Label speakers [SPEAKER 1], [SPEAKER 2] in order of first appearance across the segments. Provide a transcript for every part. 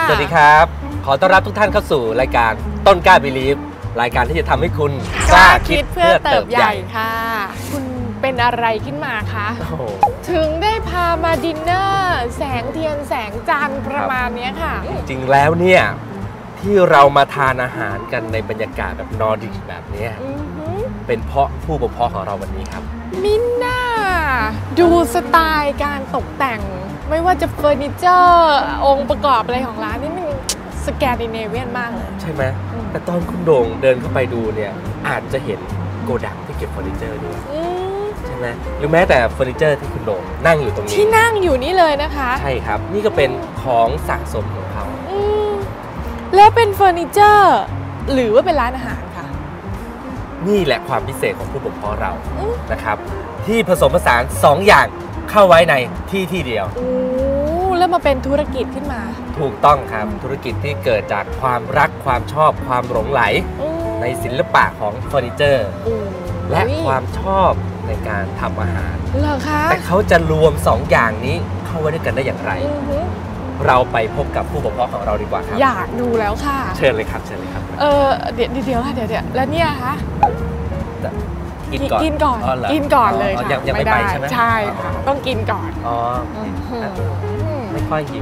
[SPEAKER 1] สวัสดีครับขอต้อนรับทุกท่านเข้าสู่รายการต้นกล้าบิลีฟรายการที่จะทำให้คุณ
[SPEAKER 2] กล้าคิดเพื่อเติบใหญ่ค่ะคุณเป็นอะไรขึ้นมาคะถึงได้พามาดินเนอร์แสงเทียนแสงจันทร์ประมาณนี้ค่ะ
[SPEAKER 1] จริงแล้วเนี่ยที่เรามาทานอาหารกันในบรรยากาศแบบนอร์ดิกแบบนี้เป็นเพราะผู้บ่มเพาะของเราวันนี้ครับ
[SPEAKER 2] มิน่าดูสไตล์การตกแต่งไม่ว่าจะเฟอร์นิเจอร์องค์ประกอบอะไรของร้านนี่มันสแกนดิเนเวียนมากเลย
[SPEAKER 1] ใช่ไหมแต่ตอนคุณโด่งเดินเข้าไปดูเนี่ยอาจจะเห็นโกดังที่เก็บเฟอร์นิเจอร์ด้วยใช่ไหมหรือแม้แต่เฟอร์นิเจอร์ที่คุณโด่งนั่งอยู่ตรงนี้
[SPEAKER 2] ที่นั่งอยู่นี่เลยนะคะ
[SPEAKER 1] ใช่ครับนี่ก็เป็นของสะสมของเขา
[SPEAKER 2] แล้วเป็นเฟอร์นิเจอร์หรือว่าเป็นร้านอาหารค่ะ
[SPEAKER 1] นี่แหละความพิเศษของผู้บ่มเพาะเรานะครับที่ผสมผสาน2อย่างเข้าไว้ในที่เดียว
[SPEAKER 2] แล้วมาเป็นธุรกิจขึ้นมา
[SPEAKER 1] ถูกต้องครับธุรกิจที่เกิดจากความรักความชอบความหลงไหลในศิลปะของเฟอร์นิเจอร์และความชอบในการทำอาหาร
[SPEAKER 2] เหรอคะ
[SPEAKER 1] แต่เขาจะรวม2อย่างนี้เข้าไว้ด้วยกันได้อย่างไรเราไปพบกับผู้บ่มเพาะของเราดีกว่าครับ
[SPEAKER 2] อยากดูแล้วค่ะ
[SPEAKER 1] เชิญเลยครับเชิญเลยครับ
[SPEAKER 2] เดี๋ยวค่ะเดี๋ยวแล้วเนี่ยคะ
[SPEAKER 1] กินก่อน
[SPEAKER 2] กินก่อนเลยค่ะ
[SPEAKER 1] ยังไม่ไปใช่ไหม
[SPEAKER 2] ใช่ค่ะต้องกินก่อน
[SPEAKER 1] ไม่ค่อยหิว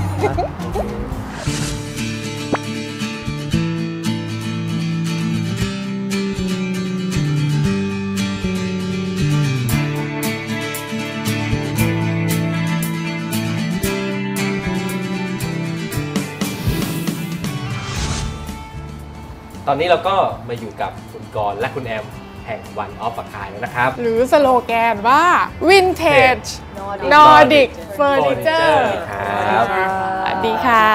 [SPEAKER 1] ตอนนี้เราก็มาอยู่กับคุณกรณ์และคุณแอมแห่ง One of a Kind แล้วนะครับ
[SPEAKER 2] หรือสโลแกนว่า Vintage Nordic Furniture
[SPEAKER 1] ครับ
[SPEAKER 2] สวัสดีค่ะ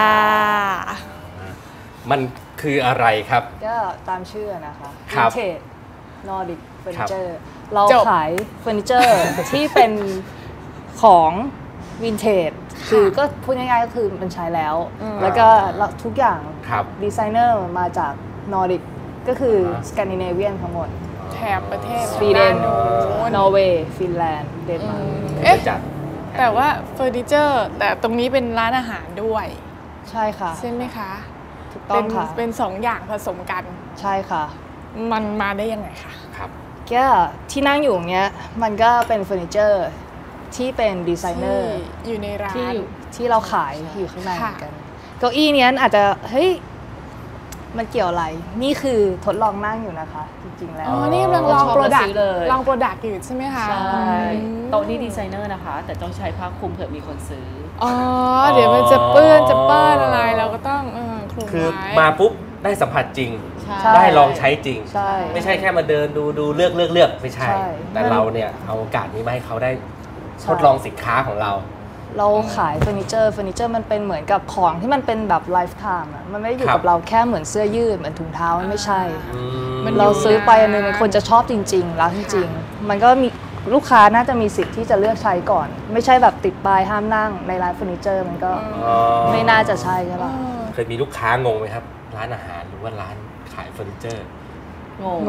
[SPEAKER 1] มันคืออะไรครับ
[SPEAKER 3] ก็ตามชื่อนะคะ
[SPEAKER 1] Vintage
[SPEAKER 3] Nordic Furniture เราขายเฟอร์นิเจอร์ที่เป็นของวินเทจคือก็พูดง่ายๆก็คือมันใช้แล้วแล้วก็ทุกอย่างดีไซเนอร์มาจากนอร์ดิกก็คือสแกนดิเนเวียนทั้งหมด
[SPEAKER 2] แถบประเทศ
[SPEAKER 3] สวีเดนนอร์เวย์ฟินแลนด์เดนมาร์
[SPEAKER 2] กแต่ว่าเฟอร์นิเจอร์แต่ตรงนี้เป็นร้านอาหารด้วย
[SPEAKER 3] ใช่ค่ะ
[SPEAKER 2] ใช่ไหมคะ
[SPEAKER 3] ถูกต้องค่ะ
[SPEAKER 2] เป็น2อย่างผสมกัน
[SPEAKER 3] ใช่ค่ะ
[SPEAKER 2] มันมาได้ยังไงคะ
[SPEAKER 1] ครับ
[SPEAKER 3] ก็ที่นั่งอยู่เนี้ยมันก็เป็นเฟอร์นิเจอร์ที่เป็นดีไซเนอร์
[SPEAKER 2] อยู่ในร้าน
[SPEAKER 3] ที่เราขายอยู่ข้างในเหมือนกันเก้าอี้นี้อาจจะเฮ้ยมันเกี่ยวอะไรนี่คือทดลองนั่งอยู่นะคะจริงๆแล้ว
[SPEAKER 2] นี่กำลังลองโปรดักต์อยู่ใช่ไหมคะ
[SPEAKER 4] ใช่โต๊ะนี้ดีไซเนอร์นะคะแต่ต้องใช้ผ้าคลุมเผื่อมีคนซื้อ
[SPEAKER 2] เดี๋ยวมันจะเปื้อนอะไรเราก็ต้องคลุมไว้
[SPEAKER 1] คือมาปุ๊บได้สัมผัสจริงได้ลองใช้จริงไม่ใช่แค่มาเดินดูเลือกไม่ใช่แต่เราเนี่ยเอาโอกาสนี้มาให้เขาได้ทดลองสินค้าของเรา
[SPEAKER 3] ขายเฟอร์นิเจอร์มันเป็นเหมือนกับของที่มันเป็นแบบไลฟ์ไทม์อ่ะมันไม่ได้อยู่กับเราแค่เหมือนเสื้อยืดเหมือนถุงเท้ามันไม่ใช่เราซื้อไปอันนึงมันคนจะชอบจริงๆแล้วจริงๆมันก็มีลูกค้าน่าจะมีสิทธิ์ที่จะเลือกใช้ก่อนไม่ใช่แบบติดป้ายห้ามนั่งในร้านเฟอร์นิเจอร์มันก็ไม่น่าจะใช่ใช่ป่ะ
[SPEAKER 1] เคยมีลูกค้างงไหมครับร้านอาหารหรือว่าร้านขายเฟอร์นิเจอร์
[SPEAKER 3] ง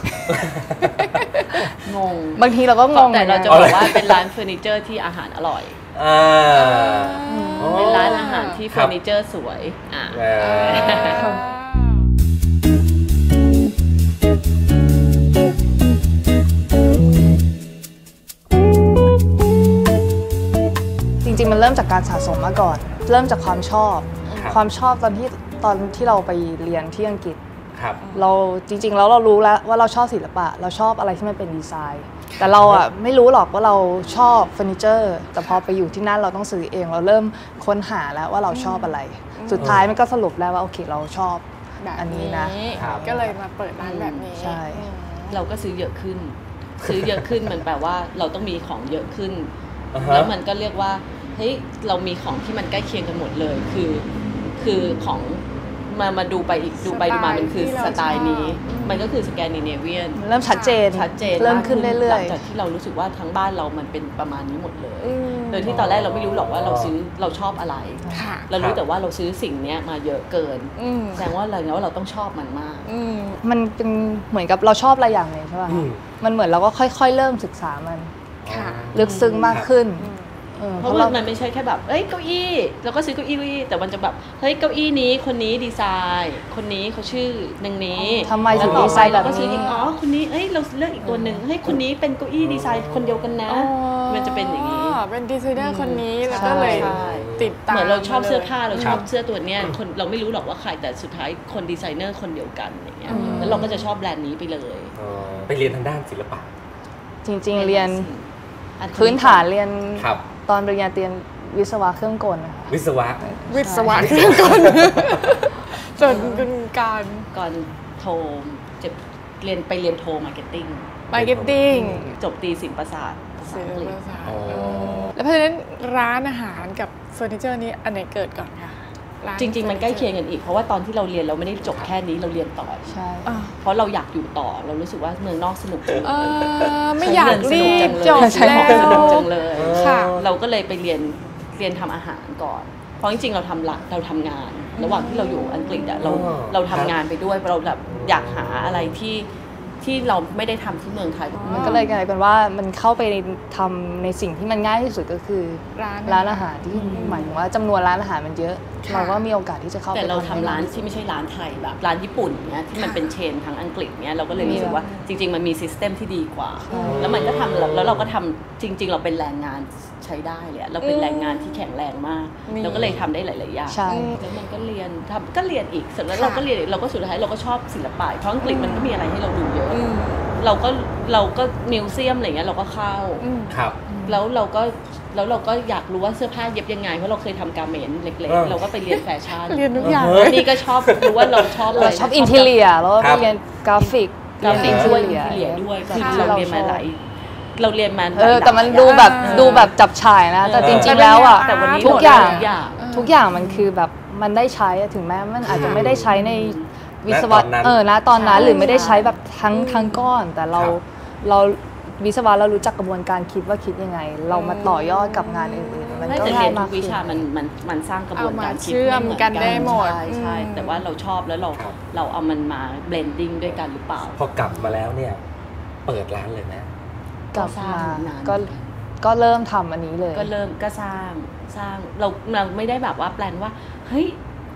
[SPEAKER 3] งบางทีเราก็งง
[SPEAKER 4] แต่เราจะบอกว่าเป็นร้านเฟอร์นิเจอร์ที่อาหารอร่อยเป็นร้านอาหารที่เฟอร์นิเจอร์สวย
[SPEAKER 3] จริงๆมันเริ่มจากการสะสมมาก่อนเริ่มจากความชอบตอนที่เราไปเรียนที่อังกฤษเราจริงๆแล้วเรารู้แล้วว่าเราชอบศิลปะเราชอบอะไรที่มันเป็นดีไซน์แต่เราอ่ะไม่รู้หรอกว่าเราชอบเฟอร์นิเจอร์แต่พอไปอยู่ที่นั่นเราต้องซื้อเองเราเริ่มค้นหาแล้วว่าเราชอบอะไรสุดท้ายมันก็สรุปแล้วว่าโอเคเราชอบอันนี้นะ
[SPEAKER 2] ก็เลยมาเปิดร้านแบบนี้
[SPEAKER 3] ใช่
[SPEAKER 4] เราก็ซื้อเยอะขึ้นมันแปลว่าเราต้องมีของเยอะขึ้นแล้วมันก็เรียกว่าเฮ้ยเรามีของที่มันใกล้เคียงกันหมดเลยคือของมาดูไปอีกดูมามันคือสไตล์นี้มันก็คือสแกนดิเนเวียน
[SPEAKER 3] เริ่มชัดเจนเริ่มขึ้นเรื่อยๆหลั
[SPEAKER 4] งจากที่เรารู้สึกว่าทั้งบ้านเรามันเป็นประมาณนี้หมดเลยโดยที่ตอนแรกเราไม่รู้หรอกว่าเราชอบอะไรเรารู้แต่ว่าเราซื้อสิ่งนี้มาเยอะเกินแสดงว่าอะไรนะว่าเราต้องชอบมันมาก
[SPEAKER 3] มันเป็นเหมือนกับเราชอบอะไรอย่างหนึ่งใช่ป่ะมันเหมือนเราก็ค่อยๆเริ่มศึกษามันลึกซึ้งมากขึ้น
[SPEAKER 4] เพราะว่ามันไม่ใช่แค่แบบเอ้ยเก้าอี้แล้วก็ซื้อเก้าอี้แต่มันจะแบบเฮ้ยเก้าอี้นี้คนนี้ดีไซน์คนนี้เขาชื่อหนึ่งนี้
[SPEAKER 3] ทำไมถึงดีไซน์แบบนี้
[SPEAKER 4] อ๋อคนนี้เอ้ยเราเลือกอีกตัวหนึ่งเฮ้ยคนนี้เป็นเก้าอี้ดีไซน์คนเดียวกันนะมันจะเป็นอย่างนี้
[SPEAKER 2] เป็นดีไซเนอร์คนนี้แล้วก็เลยติดตาม
[SPEAKER 4] เหมือนเราชอบเสื้อผ้าเราชอบเสื้อตัวเนี้ยคนเราไม่รู้หรอกว่าใครแต่สุดท้ายคนดีไซเนอร์คนเดียวกันอย่างเงี้ยแล้วเราก็จะชอบแบรนด์นี้ไปเลย
[SPEAKER 1] ไปเรียนทางด้านศิลปะ
[SPEAKER 3] จริงๆเรียนพื้นฐานเรียนตอนปริญญาตรีวิศวะเครื่องกลนะคะ
[SPEAKER 1] วิศวะ
[SPEAKER 2] เครื่องกลจนเป็นการ
[SPEAKER 4] ก่อนโทจะเรียนโทมาร์เก็ตติ้งจบตีศิลปศาสตร์
[SPEAKER 2] แล้วเพราะฉะนั้นร้านอาหารกับเฟอร์นิเจอร์นี้อันไหนเกิดก่อนคะ
[SPEAKER 4] จริงๆมันใกล้เคียงกันอีกเพราะว่าตอนที่เราเรียนเราไม่ได้จบแค่นี้เราเรียนต่อ
[SPEAKER 3] ใช่
[SPEAKER 4] เพราะเราอยากอยู่ต่อเรารู้สึกว่าเมืองนอกสนุกจัง
[SPEAKER 2] ไม่อยากรีบจบ
[SPEAKER 4] แล้วสนุกจังเลยเราก็เลยไปเรียนทำอาหารก่อนเพราะจริงๆเราทำงานระหว่างที่เราอยู่อังกฤษอะเราทำงานไปด้วยเราแบบอยากหาอะไรที่เราไม่ได้ทำที่เมืองไทย
[SPEAKER 3] มันก็เลยกลายเป็นว่ามันเข้าไปทำในสิ่งที่มันง่ายที่สุดก็คือร้านอาหารที่หมายถึงว่าจำนวนร้านอาหารมันเยอะเราก็มีโอกาสที่จะเข้าไป
[SPEAKER 4] แต่เราทำร้านที่ไม่ใช่ร้านไทยแบบร้านญี่ปุ่นเนี้ยที่มันเป็นเชนทั้งอังกฤษเนี้ยเราก็เลยรู้สึกว่าจริงๆมันมีซิสเต็มที่ดีกว่าแล้วมันก็ทำแล้วเราก็ทำจริงๆเราเป็นแรงงานใช้ได้เลยเราเป็นแรงงานที่แข็งแรงมากเราก็เลยทำได้หลายๆอย่างแล้วมันก็เรียนอีกเสร็จแล้วเราก็เรียนเราก็สุดท้ายเราก็ชอบศิลปะเพราะอังกฤษมันก็มีอะไรให้เราดูเยอะเราก็มิวเซียมอะไรเงี้ยเราก็เข้าแล้วเราก็อยากรู้ว่าเสื้อผ้าเย็บยังไงเพราะเราเคยทำการเมนต์เล็กๆเราก็ไปเรียนแฟชั่น
[SPEAKER 2] เรียนทุกอย่าง
[SPEAKER 4] นี่ก็ชอบรู้ว่าเราชอบ
[SPEAKER 3] อินทีเรียแล้วก็เรียนกราฟิก
[SPEAKER 4] ด้วยคือเราเรียนมาหลายเราเรียนมา
[SPEAKER 3] แต่มันดูแบบจับฉ่ายนะแต่จริงๆแล้วอ่ะทุกอย่างมันคือแบบมันได้ใช้ถึงแม้มันอาจจะไม่ได้ใช้ในวิศวะนะตอนนั้นหรือไม่ได้ใช้แบบทั้งก้อนแต่เราวิศวะเรารู้จักกระบวนการคิดว่าคิดยังไงเรามาต่อยอดกับงานอื่นๆ
[SPEAKER 4] มันก็เรียนทุกวิชามันสร้างกระบวนการคิด
[SPEAKER 2] เชื่อมกันได้หมด
[SPEAKER 4] ใช่แต่ว่าเราชอบแล้วเราเอามันมาเบลนดิ้งด้วยกันหรือเปล่า
[SPEAKER 1] พอกลับมาแล้วเนี่ยเปิดร้านเลยนะ
[SPEAKER 3] กลับมาก็เริ่มทำอันนี้เลย
[SPEAKER 4] ก็สร้างเราไม่ได้แบบว่าแปลนว่าเฮ้ย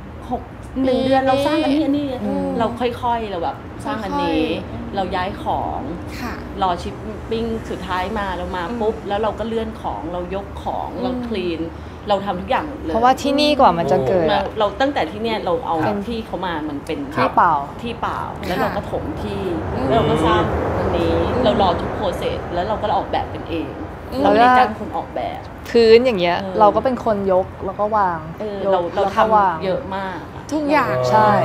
[SPEAKER 4] 1 เดือนเราสร้างอันนี้เราค่อยๆเราแบบสร้างอันนี้เราย้ายของรอชิปปิ้งสุดท้ายมาเรามาปุ๊บแล้วเราก็เลื่อนของเรายกของเราคลีนเราทำทุกอย่างเลย
[SPEAKER 3] เพราะว่าที่นี่กว่ามันจะเกิด
[SPEAKER 4] เราตั้งแต่ที่เนี่ยเราเอาที่เขามามันเป็น
[SPEAKER 3] ที่เปล่า
[SPEAKER 4] แล้วเราก็ถมที่แล้วเราก็สร้างอันนี้เรารอทุกโปรเซสแล้วเราก็ออกแบบเป็นเองเราไม่ได้จ้างคนออกแบบ
[SPEAKER 3] พื้นอย่างเงี้ยเราก็เป็นคนยกแล้วก็วาง
[SPEAKER 4] เราทำเยอะมาก
[SPEAKER 2] ทุกอย่าง
[SPEAKER 3] ใช่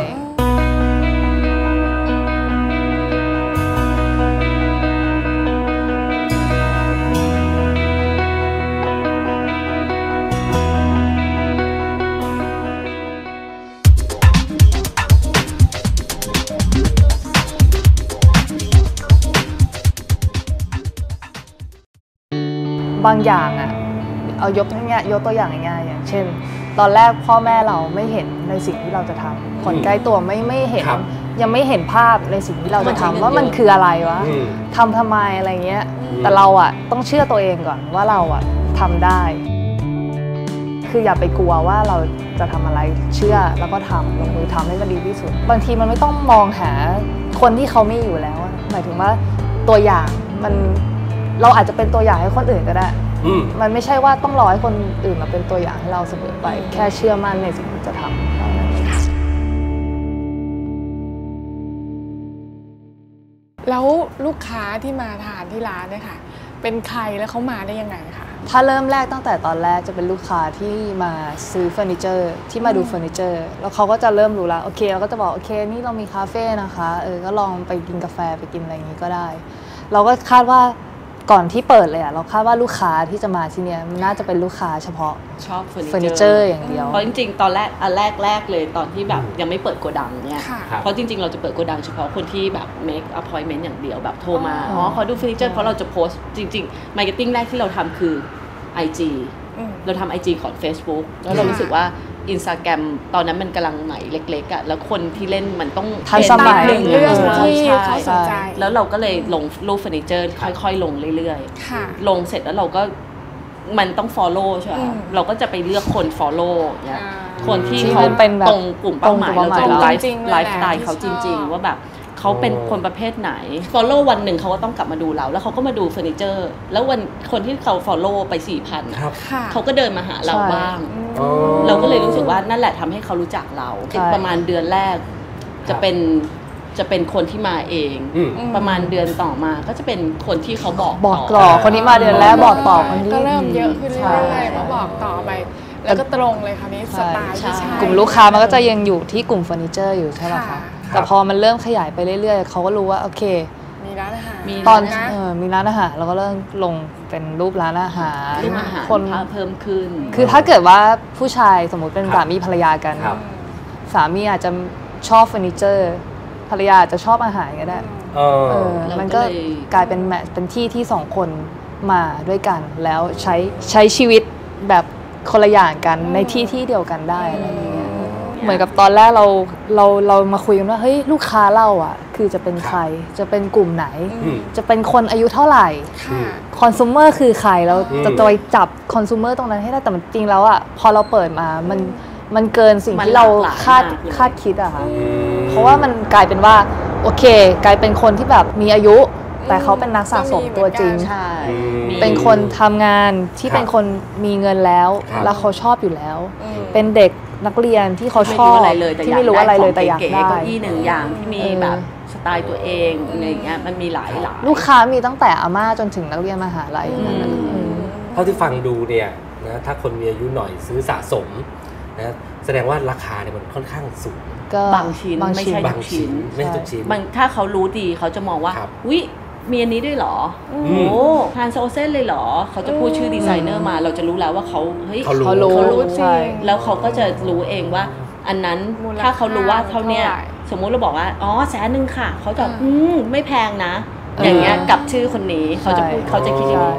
[SPEAKER 3] บางอย่างอ่ะเอายกตัวอย่างง่ายๆอย่างเช่นตอนแรกพ่อแม่เราไม่เห็นในสิ่งที่เราจะทำคนใกล้ตัวไม่เห็นยังไม่เห็นภาพในสิ่งที่เราจะทำว่ามันคืออะไรวะทำไมอะไรเงี้ยแต่เราอ่ะต้องเชื่อตัวเองก่อนว่าเราอ่ะทำได้คืออย่าไปกลัวว่าเราจะทำอะไรเชื่อแล้วก็ทำลงมือทำให้มันดีที่สุดบางทีมันไม่ต้องมองหาคนที่เขาไม่อยู่แล้วหมายถึงว่าตัวอย่างเราอาจจะเป็นตัวอย่างให้คนอื่นก็ได้มันไม่ใช่ว่าต้องรอให้คนอื่นมาเป็นตัวอย่างให้เราเสมอไปแค่เชื่อมั่นในสิ่งที่จะทำ
[SPEAKER 2] แล้วลูกค้าที่มาทานที่ร้านเนี่ยค่ะเป็นใครแล้วเขามาได้ยังไงคะ
[SPEAKER 3] ถ้าเริ่มแรกตั้งแต่ตอนแรกจะเป็นลูกค้าที่มาซื้อเฟอร์นิเจอร์ที่มาดูเฟอร์นิเจอร์แล้วเขาก็จะเริ่มรู้แล้วโอเคเราก็จะบอกโอเคนี่เรามีคาเฟ่นะคะก็ลองไปกินกาแฟไปกินอะไรอย่างนี้ก็ได้เราก็คาดว่าก่อนที่เปิดเลยเราคาดว่าลูกค้าที่จะมาที่นี่มันน่าจะเป็นลูกค้าเฉพาะ
[SPEAKER 4] ชอบเฟอ
[SPEAKER 3] ร์นิเจอร์อย่างเดียว
[SPEAKER 4] เพราะจริงๆตอนแรกแรกเลยตอนที่แบบยังไม่เปิดโกดังเนี่ยเพราะจริงๆเราจะเปิดโกดังเฉพาะคนที่แบบ make appointment อย่างเดียวแบบโทรมาขอดูเฟอร์นิเจอร์เพราะเราจะโพสต์จริงๆ marketing แรกที่เราทำคือ IG เราทำ IG ก่อน Facebook แล้วเรารู้สึกว่าInstagram ตอนนั้นมันกำลังใหม่เล็กๆอ่ะแล้วคนที่เล่นมันต้อง
[SPEAKER 3] ทันสมัย
[SPEAKER 2] เรื่องที่เขาสนใจ
[SPEAKER 4] แล้วเราก็เลยลงรูปเฟอร์นิเจอร์ค่อยๆลงเรื่อยๆลงเสร็จแล้วเราก็มันต้อง follow ใช่ไหมเราก็จะไปเลือกคน follow เนี่ยคนที่เขา
[SPEAKER 3] เป็นแบบ
[SPEAKER 4] ตรงกลุ่มเป้าหมายเราจะไลฟ์
[SPEAKER 2] จริงๆ
[SPEAKER 4] ไลฟ์สไตล์เขาจริงๆว่าแบบเขาเป็นคนประเภทไหน follow วันหนึ่งเขาก็ต้องกลับมาดูเราแล้วเขาก็มาดูเฟอร์นิเจอร์แล้ววันคนที่เขา follow ไป 4,000 เขาก็เดินมาหาเราบ้างเราก็เลยรู้สึกว่านั่นแหละทำให้เขารู้จักเราประมาณเดือนแรกจะเป็นคนที่มาเองประมาณเดือนต่อมาก็จะเป็นคนที่เขาบอก
[SPEAKER 3] ต่อคนที่มาเดือนแรกบอกต่อคนที่
[SPEAKER 2] ก็เริ่มเยอะขึ้นเรื่อยๆมาบอกต่อไปแล้วก็ตรงเลยค่ะนี้สไตล์ที่ใช่
[SPEAKER 3] กลุ่มลูกค้ามันก็จะยังอยู่ที่กลุ่มเฟอร์นิเจอร์อยู่ใช่ไหมคะแต่พอมันเริ่มขยายไปเรื่อยๆเขาก็รู้ว่าโอเค
[SPEAKER 2] มีร้านอาหาร
[SPEAKER 3] ตอนมีร้านอาหารเราก็เริ่มลงเป็นรูปร้านอาหาร
[SPEAKER 4] คนเพิ่มขึ้น
[SPEAKER 3] คือถ้าเกิดว่าผู้ชายสมมติเป็นสามีภรรยากันสามีอาจจะชอบเฟอร์นิเจอร์ภรรยาจะชอบอาหารก็ได้มันก็กลายเป็นเป็นที่สองคนมาด้วยกันแล้วใช้ชีวิตแบบคนละอย่างกันในที่เดียวกันได้อะไรอย่างเงี้ยเหมือนกับตอนแรกเรามาคุยกันว่าเฮ้ยลูกค้าเราอ่ะคือจะเป็นใครจะเป็นกลุ่มไหนจะเป็นคนอายุเท่าไหร่คอน sumer คือใครเราจะไปจับคอน sumer ตรงนั้นให้ได้แต่จริงแล้วอ่ะพอเราเปิดมามันเกินสิ่งที่เราคาดคิดอะค่ะเพราะว่ามันกลายเป็นว่าโอเคกลายเป็นคนที่แบบมีอายุแต่เขาเป็นนักสะสมตัวจริงเป็นคนทำงานที่เป็นคนมีเงินแล้วเขาชอบอยู่แล้วเป็นเด็กนักเรียนที่เขาชอบที่ไม่รู้อะไรเลยแต่อยากได้
[SPEAKER 4] เก้าอี้หนึ่งอย่างที่มีแบบสไตล์ตัวเองอะไรอย่างเงี้ยมันมีหลาย
[SPEAKER 3] ลูกค้ามีตั้งแต่อาม่าจนถึงนักเรียนมหาลัย
[SPEAKER 1] เท่าที่ฟังดูเนี่ยนะถ้าคนมีอายุหน่อยซื้อสะสมนะแสดงว่าราคาเนี่ยมันค่อนข้างสูง
[SPEAKER 4] บางชิ้นไม่ใช่ทุกชิ้นถ้าเขารู้ดีเขาจะมองว่าวิมีอันนี้ด้วยเหรอโอ้ฮานโซเซนเลยเหรอเขาจะพูดชื่อดีไซเนอร์มาเราจะรู้แล้วว่าเขาเฮ้ย
[SPEAKER 3] เขารู้
[SPEAKER 4] ใช่แล้วเขาก็จะรู้เองว่าอันนั้นถ้าเขารู้ว่าเท่าเนี้ยสมมุติเราบอกว่าอ๋อ100,000ค่ะเขาจะไม่แพงนะอย่างเงี้ยกับชื่อคนนี้เขาจะคิดอย่างนี้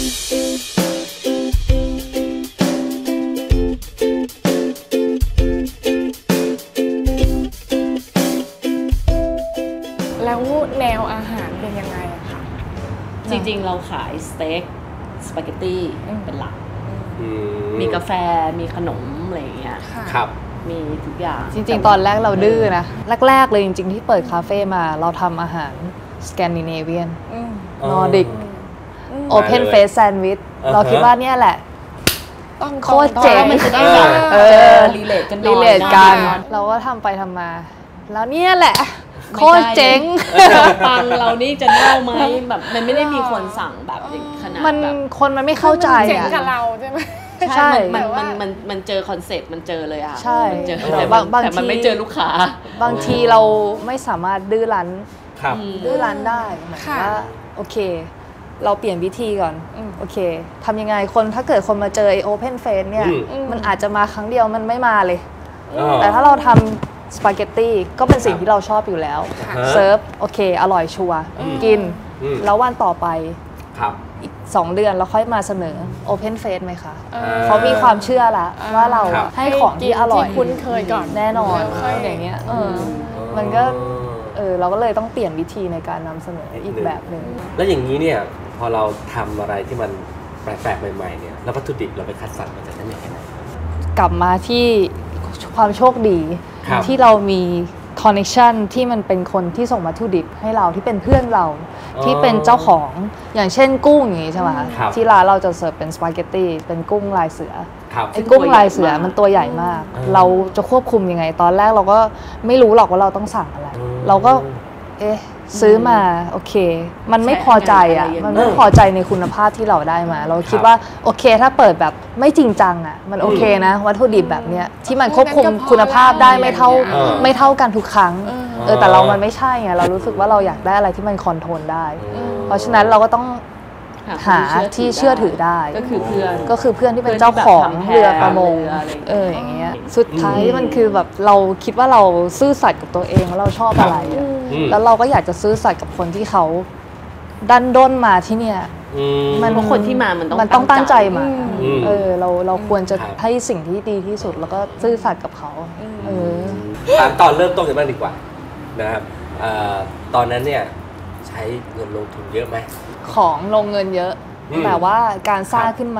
[SPEAKER 2] แล้วแนวอาหารเป็นยังไงอะคะ
[SPEAKER 4] จริงๆเราขายสเต็กสปาเกตตี้เป็นหลักมีกาแฟมีขนมอะไรอย่างเงี้ย
[SPEAKER 1] ครับ
[SPEAKER 4] มีทุกอย่าง
[SPEAKER 3] จริงๆตอนแรกเราดื้อนะแรกๆเลยจริงๆที่เปิดคาเฟ่มาเราทำอาหารสแกนดิเนเวียนนอร์ดิกโอเพนเฟสแซนด์วิชเราคิดว่าเนี่ยแหละโคตรเจ๋ง
[SPEAKER 4] มันจะได้แบบรีเลทกัน
[SPEAKER 3] เราก็ทำไปทำมาแล้วเนี่ยแหละโคตรเจ๋ง
[SPEAKER 4] ปังเรานี่จะเน่าไหมแบบมันไม่ได้มีคนสั่งแบบขนาดแบบ
[SPEAKER 3] คนมันไม่เข้าใจ
[SPEAKER 2] เจ๋งกับเราใช่ไหม
[SPEAKER 3] ใช่
[SPEAKER 4] มันเจอคอนเซ็ปต์มันเจอเลยอ่ะ
[SPEAKER 3] ใช่
[SPEAKER 4] แต่มันไม่เจอลูกค้า
[SPEAKER 3] บางทีเราไม่สามารถดื้อรั้นได้หมายว่าโอเคเราเปลี่ยนวิธีก่อนโอเคทำยังไงคนถ้าเกิดคนมาเจอไอโอเพนเฟสเนี่ยมันอาจจะมาครั้งเดียวมันไม่มาเลยแต่ถ้าเราทำสปาเกตตี้ก็เป็นสิ่งที่เราชอบอยู่แล้วเซิร์ฟโอเคอร่อยชัวร์กินแล้ววันต่อไปอีก2 เดือนเราค่อยมาเสนอ Open Face ไหมคะเขามีความเชื่อละว่าเราให้ของที่อร่อย
[SPEAKER 2] คุ้นเคยก่อน
[SPEAKER 3] แน่นอนอย่างเงี้ยมันก็เราก็เลยต้องเปลี่ยนวิธีในการนำเสนออีกแบบหนึ่ง
[SPEAKER 1] แล้วอย่างนี้เนี่ยพอเราทำอะไรที่มันแปลกๆใหม่ๆเนี่ยแล้ววัตถุดิบเราไปคัดสรรมาจากไหนยังไง
[SPEAKER 3] กลับมาที่ความโชคดีที่เรามีคอนเนคชั่นที่มันเป็นคนที่ส่งวัตถุดิบให้เราที่เป็นเพื่อนเราที่เป็นเจ้าของอย่างเช่นกุ้งอย่างนี้ใช่ไหมที่ร้านเราจะเสิร์ฟเป็นสปาเกตตี้เป็นกุ้งลายเสือไอ้กุ้งลายเสือมันตัวใหญ่มากเราจะควบคุมยังไงตอนแรกเราก็ไม่รู้หรอกว่าเราต้องสั่งอะไรเราก็ซื้อมาโอเคมันไม่พอใจอ่ะมันไม่พอใจในคุณภาพที่เราได้มาเราคิดว่าโอเคถ้าเปิดแบบไม่จริงจังอ่ะมันโอเคนะวัตถุดิบแบบเนี้ยที่มันควบคุมคุณภาพได้ไม่เท่ากันทุกครั้งแต่เรามันไม่ใช่ไงเรารู้สึกว่าเราอยากได้อะไรที่มันคอนโทรลได้เพราะฉะนั้นเราก็ต้องหาที่เชื่อถือได้
[SPEAKER 4] ก็คือเ
[SPEAKER 3] พื่อนที่เป็นเจ้าของเรือประมงอย่างเงี้ยสุดท้ายมันคือแบบเราคิดว่าเราซื่อสัตย์กับตัวเองว่าเราชอบอะไรแล้วเราก็อยากจะซื่อสัตย์กับคนที่เขาดันด้นมาที่เนี่ย
[SPEAKER 4] มันคนที่มามัน
[SPEAKER 3] ต้องตั้งใจมาเราควรจะให้สิ่งที่ดีที่สุดแล้วก็ซื่อสัตย์กับเขา
[SPEAKER 1] ถามตอนเริ่มต้นกันบ้างดีกว่านะครับตอนนั้นเนี่ยใช้เงินลงทุนเยอะไหม
[SPEAKER 3] ของลงเงินเยอะแต่ว่าการสร้างขึ้นมา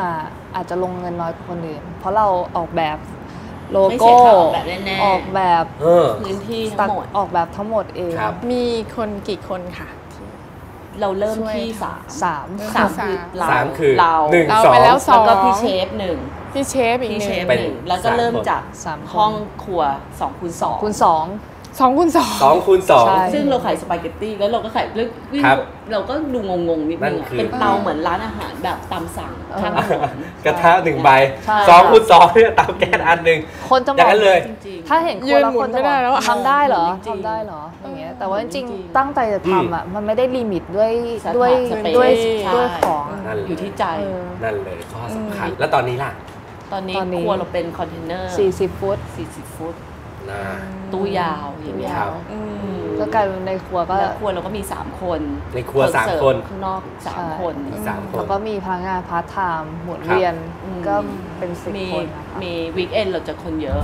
[SPEAKER 3] อาจจะลงเงินน้อยกว่าคนอื่นเพราะเราออกแบบโลโก้ออกแบบ
[SPEAKER 4] พื้นที่ทั้งหมด
[SPEAKER 3] ออกแบบทั้งหมดเอง
[SPEAKER 2] มีคนกี่คนค่ะ
[SPEAKER 4] เราเริ่มที่สาม
[SPEAKER 1] คือ
[SPEAKER 4] เรา
[SPEAKER 1] 1
[SPEAKER 2] 2
[SPEAKER 4] แล้วก็พี่เชฟ1
[SPEAKER 2] พี่เชฟอีกหนึ่ง
[SPEAKER 4] แล้วก็เริ่มจากห้องครัว2x2
[SPEAKER 2] 2 คูณ 2
[SPEAKER 4] ซึ่งเราขายสปาเกตตี้แล้วเราก็ขายเราก็ดูงงๆนิดนึงเป็นเตาเหมือนร้านอาหารแบบตามสั่งทาง
[SPEAKER 1] กระทะ1 ใบ2 คูณ 2เนี่ยเตาแก๊สอันนึง
[SPEAKER 3] คนจะ
[SPEAKER 1] บอกเลย
[SPEAKER 3] ถ้าเห็นคนละคนจะบอกทำได้เหรออย่างเงี้ยแต่ว่าจริงๆตั้งใจจะทำอ่ะมันไม่ได้ลิมิตด้วยของ
[SPEAKER 4] อยู่ที่ใจ
[SPEAKER 1] นั่นเลยข้อสำคัญแล้วตอนนี้ล่ะ
[SPEAKER 4] ตอนนี้ครัวเราเป็นคอนเทนเนอร์
[SPEAKER 3] 40 ฟุต
[SPEAKER 4] ตู้ยาวอย่างเงี้ย
[SPEAKER 3] ก็กลายเป็นในครัว
[SPEAKER 4] เราก็มี3 คน
[SPEAKER 1] ในครัว3 คน
[SPEAKER 4] ข้างนอก3 คน
[SPEAKER 3] แล้วก็มีพนักงานพาร์ทไทม์หมุนเวียนก็เป็น10 คน
[SPEAKER 4] มีวีคเอนด์เราจะคนเยอะ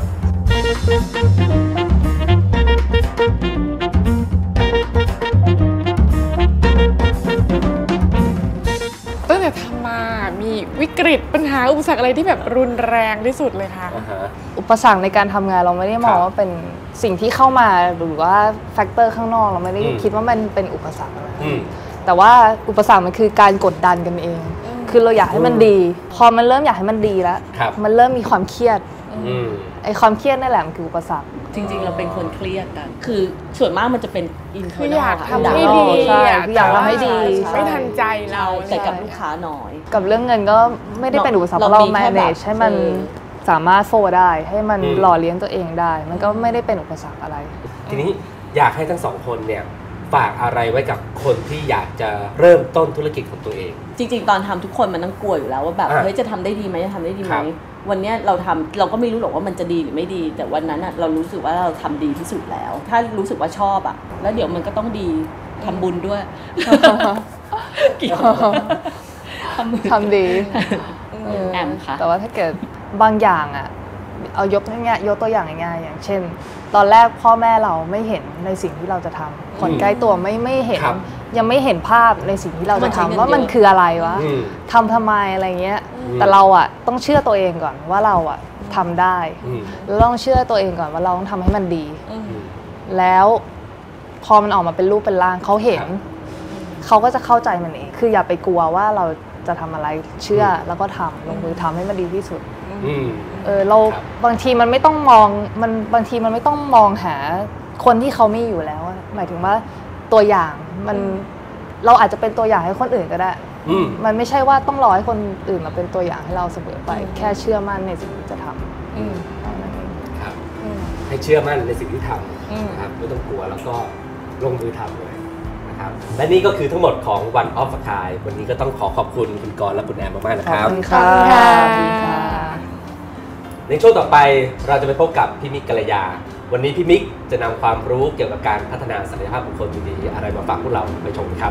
[SPEAKER 2] ตั้งแต่ทำมามีวิกฤตปัญหาอุปสรรคอะไรที่แบบรุนแรงที่สุดเลยคะ
[SPEAKER 3] อุปสรรคในการทำงานเราไม่ได้มองว่าเป็นสิ่งที่เข้ามาหรือว่าแฟกเตอร์ข้างนอกเราไม่ได้คิดว่ามันเป็นอุปสรรคอะไรแต่ว่าอุปสรรคมันคือการกดดันกันเองคือเราอยากให้มันดีพอมันเริ่มอยากให้มันดีแล้วมันเริ่มมีความเครียดไอ้ความเครียดนั่นแหละมันคืออุปสรรค
[SPEAKER 4] จริงๆเราเป็นคนเครียดกันคือส่วนมากมันจะเป็นอินเทอร์เน็ต
[SPEAKER 2] อยากทำให้ดี
[SPEAKER 3] อยากทำให้ดี
[SPEAKER 2] ไม่ทันใจเรา
[SPEAKER 4] แต่กับลูกค้าน้อย
[SPEAKER 3] กับเรื่องเงินก็ไม่ได้เป็นอุปสรรคเรา manage ให้มันสามารถโฟได้ให้มันหล่อเลี้ยงตัวเองได้มันก็ไม่ได้เป็นอุปสรรคอะไร
[SPEAKER 1] ทีนี้อยากให้ทั้ง2 คนเนี่ยฝากอะไรไว้กับคนที่อยากจะเริ่มต้นธุรกิจของตัวเอง
[SPEAKER 4] จริงๆตอนทำทุกคนมันต้องกลัวอยู่แล้วว่าแบบเฮ้ยจะทำได้ดีไหมจะทำได้ดีไหมวันนี้เราก็ไม่รู้หรอกว่ามันจะดีหรือไม่ดีแต่วันนั้นเรารู้สึกว่าเราทำดีที่สุดแล้วถ้ารู้สึกว่าชอบแล้วเดี๋ยวมันก็ต้องดีทำบุญด้วยเกี่ยว
[SPEAKER 3] ทำดี
[SPEAKER 4] แอมค่ะ
[SPEAKER 3] แต่ว่าถ้าเกิดบางอย่างเอายกตัวอย่างง่ายๆอย่างเช่นตอนแรกพ่อแม่เราไม่เห็นในสิ่งที่เราจะทำคนใกล้ตัวไม่เห็นยังไม่เห็นภาพในสิ่งที่เราจะทำว่ามันคืออะไรวะทำไมอะไรเงี้ยแต่เราต้องเชื่อตัวเองก่อนว่าเราทำได้แล้วต้องเชื่อตัวเองก่อนว่าเราต้องทำให้มันดีแล้วพอมันออกมาเป็นรูปเป็นร่างเขาเห็นเขาก็จะเข้าใจมันเองคืออย่าไปกลัวว่าเราจะทำอะไรเชื่อแล้วก็ทำลงมือทำให้มันดีที่สุดเราบางทีมันไม่ต้องมองบางทีมันไม่ต้องมองหาคนที่เขามีอยู่แล้วหมายถึงว่าตัวอย่างเราอาจจะเป็นตัวอย่างให้คนอื่นก็ได้มันไม่ใช่ว่าต้องรอให้คนอื่นมาเป็นตัวอย่างให้เราเสมอไปแค่เชื่อมั่นในสิ่งที่จะทำ
[SPEAKER 1] ครับให้เชื่อมั่นในสิ่งที่ทำนะครับไม่ต้องกลัวแล้วก็ลงมือทำเลยนะครับและนี่ก็คือทั้งหมดของ One of a Kind วันนี้ก็ต้องขอบคุณคุณกรณ์และคุณแอมมากๆนะครับ
[SPEAKER 3] ขอบคุณค่ะ
[SPEAKER 1] ในช่วงต่อไปเราจะไปพบกับพี่มิกกัลยาวันนี้พี่มิกจะนำความรู้เกี่ยวกับการพัฒนาศักยภาพบุคคลดีๆอะไรมาฝากพวกเราไปชมกันครับ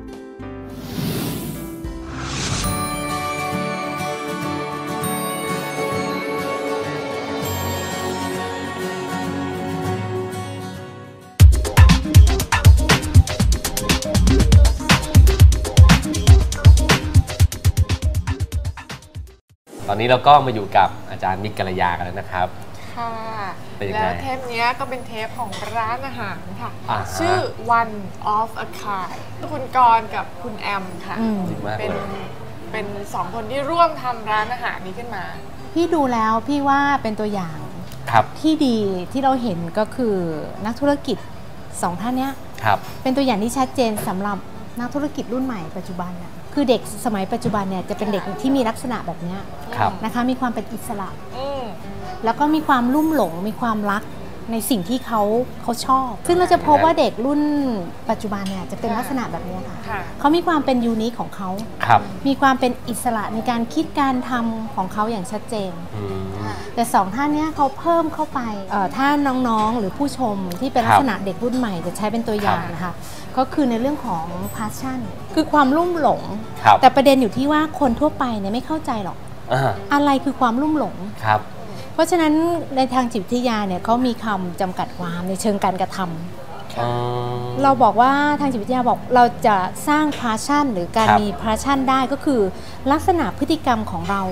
[SPEAKER 1] ตอนนี้เราก็มาอยู่กับอาจารย์มิกกัลยากันแล้วนะครับ
[SPEAKER 2] ค่ะแล้วเทปนี้ก็เป็นเทปของร้านอาหารค่ะชื่อ One of a Kind คุณกรณ์กับคุณแอมค่ะเป็น2 คนที่ร่วมทำร้านอาหารนี้ขึ้นมา
[SPEAKER 5] พี่ดูแล้วพี่ว่าเป็นตัวอย่างที่ดีที่เราเห็นก็คือนักธุรกิจ2 ท่านนี้เป็นตัวอย่างที่ชัดเจนสำหรับนักธุรกิจรุ่นใหม่ปัจจุบันคือเด็กสมัยปัจจุบันเนี่ยจะเป็นเด็กที่มีลักษณะแบบนี้นะคะมีความเป็นอิสระแล้วก็มีความลุ่มหลงมีความรักในสิ่งที่เขาชอบซึ่งเราจะพบว่าเด็กรุ่นปัจจุบันเนี่ยจะเป็นลักษณะแบบนี้ค่ะเขามีความเป็นยูนิคของเขามีความเป็นอิสระในการคิดการทำของเขาอย่างชัดเจนแต่2 ท่านนี้เขาเพิ่มเข้าไปถ้าน้องๆหรือผู้ชมที่เป็นลักษณะเด็กรุ่นใหม่จะใช้เป็นตัวอย่างนะคะก็คือในเรื่องของ passion คือความลุ่มหลงแต่ประเด็นอยู่ที่ว่าคนทั่วไปเนี่ยไม่เข้าใจหรอกอะไรคือความลุ่มหลงเพราะฉะนั้นในทางจิตวิทยาเนี่ยเขามีคำจำกัดความในเชิงการกระทำเราบอกว่าทางจิตวิทยาบอกเราจะสร้าง passion หรือการมี passion ได้ก็คือลักษณะพฤติกรรมของเรา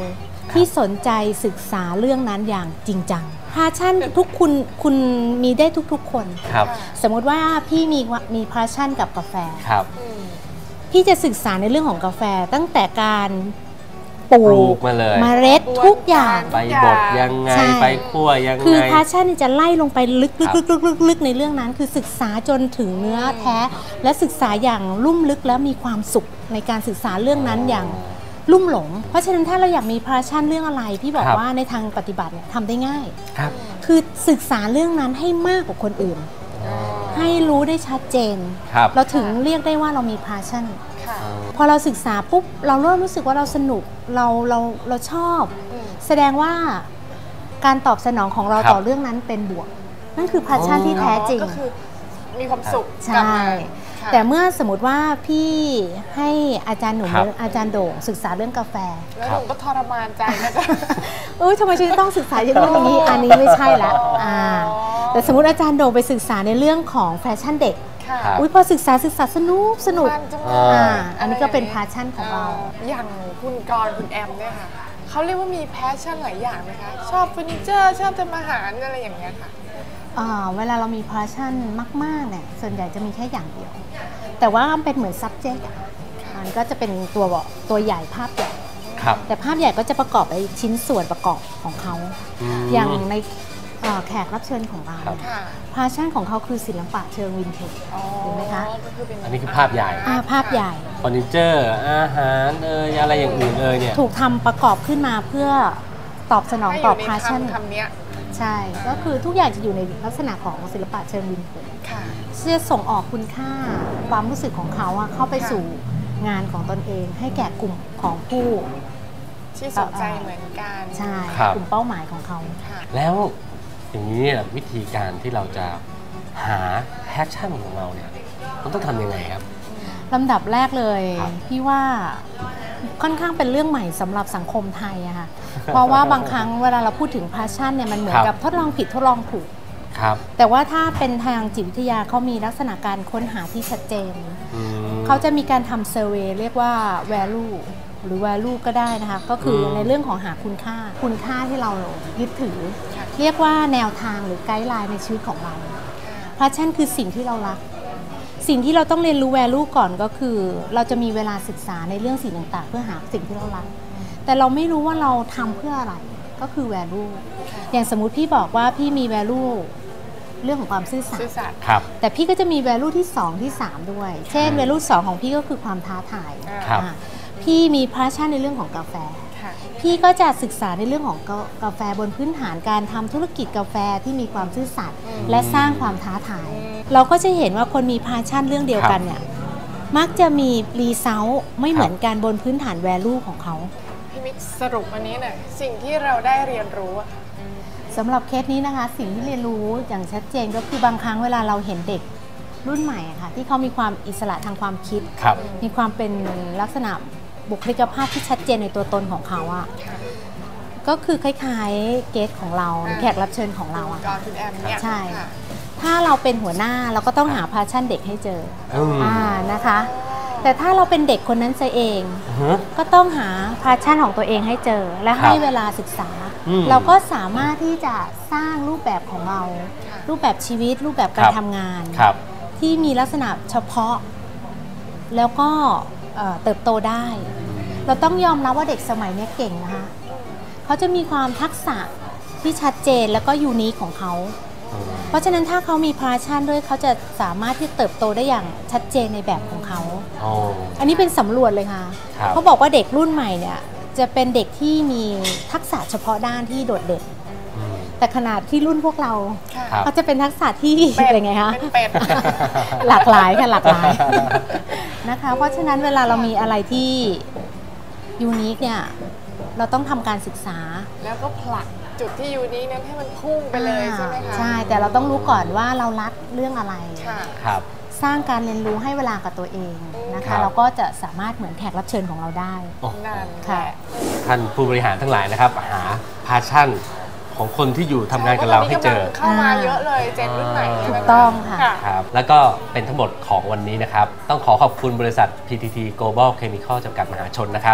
[SPEAKER 5] ที่สนใจศึกษาเรื่องนั้นอย่างจริงจังพาชั่นทุกคุณมีได้ทุกๆคนสมมติว่าพี่มีพาชั่นกับกาแฟพี่จะศึกษาในเรื่องของกาแฟตั้งแต่การปลูก
[SPEAKER 1] มาเลย
[SPEAKER 5] เมล็ดทุกอย่าง
[SPEAKER 1] ไปบดยังไงไปคั่วยังไง
[SPEAKER 5] คือพาชั่นจะไล่ลงไปลึกในเรื่องนั้นคือศึกษาจนถึงเนื้อแท้และศึกษาอย่างลุ่มลึกแล้วมีความสุขในการศึกษาเรื่องนั้นอย่างลุ่มหลงเพราะฉะนั้นถ้าเราอยากมีพาชั่นเรื่องอะไรพี่บอกว่าในทางปฏิบัติเนี่ยทำได้ง่ายคือศึกษาเรื่องนั้นให้มากกว่าคนอื่นให้รู้ได้ชัดเจนเราถึงเรียกได้ว่าเรามีพาชั่นพอเราศึกษาปุ๊บเราเริ่มรู้สึกว่าเราสนุกเราชอบแสดงว่าการตอบสนองของเราต่อเรื่องนั้นเป็นบวกนั่นคือพาชั่นที่แท้จริง
[SPEAKER 2] ก็คือมีความสุข
[SPEAKER 5] ใช่แต่เมื่อสมมติว่าพี่ให้อาจารย์หนุ่มอาจารย์โด่งศึกษาเรื่องกาแฟ
[SPEAKER 2] แล้วหนุ่มก็ทรมานใจนะคะ
[SPEAKER 5] ทำไมฉันต้องศึกษาอย่างนู้นอย่างนี้อันนี้ไม่ใช่ละแต่สมมติอาจารย์โด่งไปศึกษาในเรื่องของแฟชั่นเด็กพอศึกษาสนุกอันนี้ก็เป็นพาชั่นของเรา
[SPEAKER 2] อย่างคุณกรคุณแอมเนี่ยค่ะเขาเรียกว่ามีแพชชั่นหลายอย่างไหมคะชอบเฟอร์นิเจอร์ชอบทำอาหารอะไรอย่างเงี้ยค่ะ
[SPEAKER 5] เวลาเรามีพาชั่นมากๆเนี่ยส่วนใหญ่จะมีแค่อย่างเดียวแต่ว่าเป็นเหมือน subject มันก็จะเป็นตัวใหญ่ภาพใหญ่แต่ภาพใหญ่ก็จะประกอบไปชิ้นส่วนประกอบของเขาอย่างในแขกรับเชิญของเราพาชั่นของเขาคือศิลปะเชิงวินเทจเห็นไหมคะ
[SPEAKER 1] อันนี้คือภาพใหญ่
[SPEAKER 5] ภาพใหญ่
[SPEAKER 1] เฟอร์นิเจอร์อาหารอะไรอย่างอื่นเนี่ย
[SPEAKER 5] ถูกทำประกอบขึ้นมาเพื่อตอบสนองต่อพาชั่นใช่ก็คือทุกอย่างจะอยู่ในลักษณะของศิลปะเชิงวินเทจจะส่งออกคุณค่าความรู้สึกของเขาเข้าไปสู่งานของตนเองให้แก่กลุ่มของผู้
[SPEAKER 2] ที่สนใจเหมือนกัน
[SPEAKER 5] ใช่กลุ่มเป้าหมายของเขา
[SPEAKER 1] แล้วอย่างนี้วิธีการที่เราจะหาแพชชั่นของเราเนี่ยมันต้องทำยังไงครับ
[SPEAKER 5] ลำดับแรกเลยพี่ว่าค่อนข้างเป็นเรื่องใหม่สำหรับสังคมไทยอะค่ะเพราะว่าบางครั้งเวลาเราพูดถึงแพชชั่นเนี่ยมันเหมือนกับทดลองผิดทดลองถูกแต่ว่าถ้าเป็นทางจิตวิทยาเขามีลักษณะการค้นหาที่ชัดเจนเขาจะมีการทำเซอร์เวย์เรียกว่า value หรือ value ก็ได้นะคะก็คือในเรื่องของหาคุณค่าที่เรายึดถือเรียกว่าแนวทางหรือไกด์ไลน์ในชีวิตของเราแพชชั่นคือสิ่งที่เรารักสิ่งที่เราต้องเรียนรู้ value ก่อนก็คือเราจะมีเวลาศึกษาในเรื่องสิ่งต่างๆเพื่อหาสิ่งที่เรารักแต่เราไม่รู้ว่าเราทำเพื่ออะไรก็คือ value อย่างสมมุติพี่บอกว่าพี่มี value เรื่องของความซื่อสัตย์แต่พี่ก็จะมี value ที่2ที่3ด้วยเช่น value 2ของพี่ก็คือความท้าทายพี่มี passion ในเรื่องของกาแฟพี่ก็จะศึกษาในเรื่องของกาแฟบนพื้นฐานการทำธุรกิจกาแฟที่มีความซื่อสัตย์และสร้างความท้าทายเราก็จะเห็นว่าคนมี passion เรื่องเดียวกันเนี่ยมักจะมี result ไม่เหมือนกันบนพื้นฐาน value ของเขา
[SPEAKER 2] พี่มิกสรุปวันนี้หน่อยสิ่งที่เราได้เรียนรู้
[SPEAKER 5] สำหรับเคสนี้นะคะสิ่งที่เรียนรู้อย่างชัดเจนก็คือบางครั้งเวลาเราเห็นเด็กรุ่นใหม่ค่ะที่เขามีความอิสระทางความคิดมีความเป็นลักษณะบุคลิกภาพที่ชัดเจนในตัวตนของเขาก็คือคล้ายๆเกสของเราแขกรับเชิญของเราใช่ถ้าเราเป็นหัวหน้าเราก็ต้องหาพาชั่นเด็กให้เจอนะคะแต่ถ้าเราเป็นเด็กคนนั้นซะเองก็ต้องหาพาชั่นของตัวเองให้เจอและให้เวลาศึกษาเราก็สามารถที่จะสร้างรูปแบบของเรารูปแบบชีวิตรูปแบบการทำงานที่มีลักษณะเฉพาะแล้วก็เติบโตได้เราต้องยอมรับว่าเด็กสมัยนี้เก่งนะคะเขาจะมีความทักษะที่ชัดเจนแล้วก็ยูนิคของเขาเพราะฉะนั้นถ้าเขามีพาชั่นด้วยเขาจะสามารถที่เติบโตได้อย่างชัดเจนในแบบของเขาอันนี้เป็นสำรวจเลยค่ะเขาบอกว่าเด็กรุ่นใหม่เนี่ยจะเป็นเด็กที่มีทักษะเฉพาะด้านที่โดดเด่นแต่ขนาดที่รุ่นพวกเราเขาจะเป็นทักษะที่อะไรไงคะหลากหลายค่ะหลากหลายนะคะเพราะฉะนั้นเวลาเรามีอะไรที่ยูนิคเนี่ยเราต้องทำการศึกษา
[SPEAKER 2] แล้วก็ผลักจุดที่ยูนิคนั้นให้มันพุ่งไปเลยใช่ไหมคะ
[SPEAKER 5] ใช่แต่เราต้องรู้ก่อนว่าเรารักเรื่องอะไรสร้างการเรียนรู้ให้เวลากับตัวเองนะคะเราก็จะสามารถเหมือนแขกรับเชิญของเราได้
[SPEAKER 2] ค่ะ
[SPEAKER 1] ท่านผู้บริหารทั้งหลายนะครับหาพาชั่นของคนที่อยู่ทำงานกับเราให้เจอ
[SPEAKER 2] เข้ามาเยอะเลยเจนรุ่นใหม่
[SPEAKER 5] ถูกต้องค่ะ
[SPEAKER 1] ครับแล้วก็เป็นทั้งหมดของวันนี้นะครับต้องขอบคุณบริษัท PTT Global Chemical จำกัดมหาชนนะครับ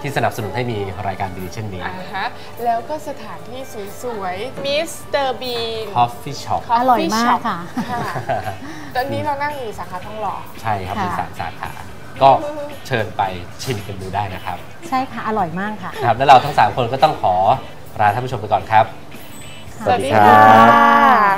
[SPEAKER 1] ที่สนับสนุนให้มีรายการดีเช่นนี้
[SPEAKER 2] แล้วก็สถานที่สวยๆมิสเตอร์บีน
[SPEAKER 1] Coffee Shop
[SPEAKER 5] อร่อยมากค่ะ
[SPEAKER 2] ตอนนี้เรานั่งอยู่สาขาทองหล่อ
[SPEAKER 1] ใช่ครับมี3 สาขาก็เชิญไปชิมกันดูได้นะครับ
[SPEAKER 5] ใช่ค่ะอร่อยมากค่ะ
[SPEAKER 1] ครับแล้วเราทั้ง3คนก็ต้องขอลาท่านผู้ชมไปก่อนครับ
[SPEAKER 2] สวัสดีครับ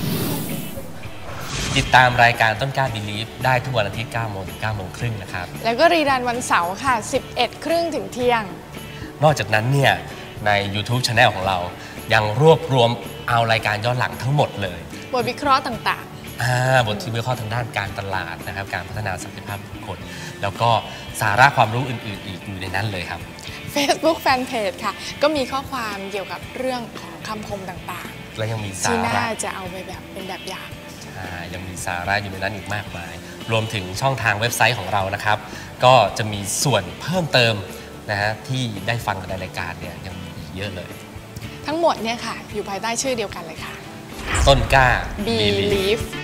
[SPEAKER 1] ติดตามรายการต้นกล้า Believe ได้ทุกวันอาทิตย์ 9 โมงถึง 9 โมงครึ่งนะครับ
[SPEAKER 2] แล้วก็รีรันวันเสาร์ค่ะ 11 ครึ่งถึงเที่ยง
[SPEAKER 1] นอกจากนั้นเนี่ยใน YouTube Channel ของเรายังรวบรวมเอารายการย้อนหลังทั้งหมดเลย
[SPEAKER 2] บทวิเคราะห์ต่าง
[SPEAKER 1] ๆบทที่วิเคราะห์ทางด้านการตลาดนะครับการพัฒนาศักยภาพบุคคลแล้วก็สาระความรู้อื่นๆอีกอยู่ในนั้นเลยครับ
[SPEAKER 2] Facebook Fanpage ค่ะก็มีข้อความเกี่ยวกับเรื่องของคำคมต่าง
[SPEAKER 1] ๆและยังมีสาระ
[SPEAKER 2] ที่น่าจะเอาไปแบบเป็นแบบอย่าง
[SPEAKER 1] ยังมีสาระอยู่ในนั้นอีกมากมายรวมถึงช่องทางเว็บไซต์ของเรานะครับก็จะมีส่วนเพิ่มเติมนะฮะที่ได้ฟังกันในรายการเนี่ยยังมีอีกเยอะเลย
[SPEAKER 2] ทั้งหมดเนี่ยค่ะอยู่ภายใต้ชื่อเดียวกันเลยค่ะ
[SPEAKER 1] ต้นกล้า
[SPEAKER 2] Believe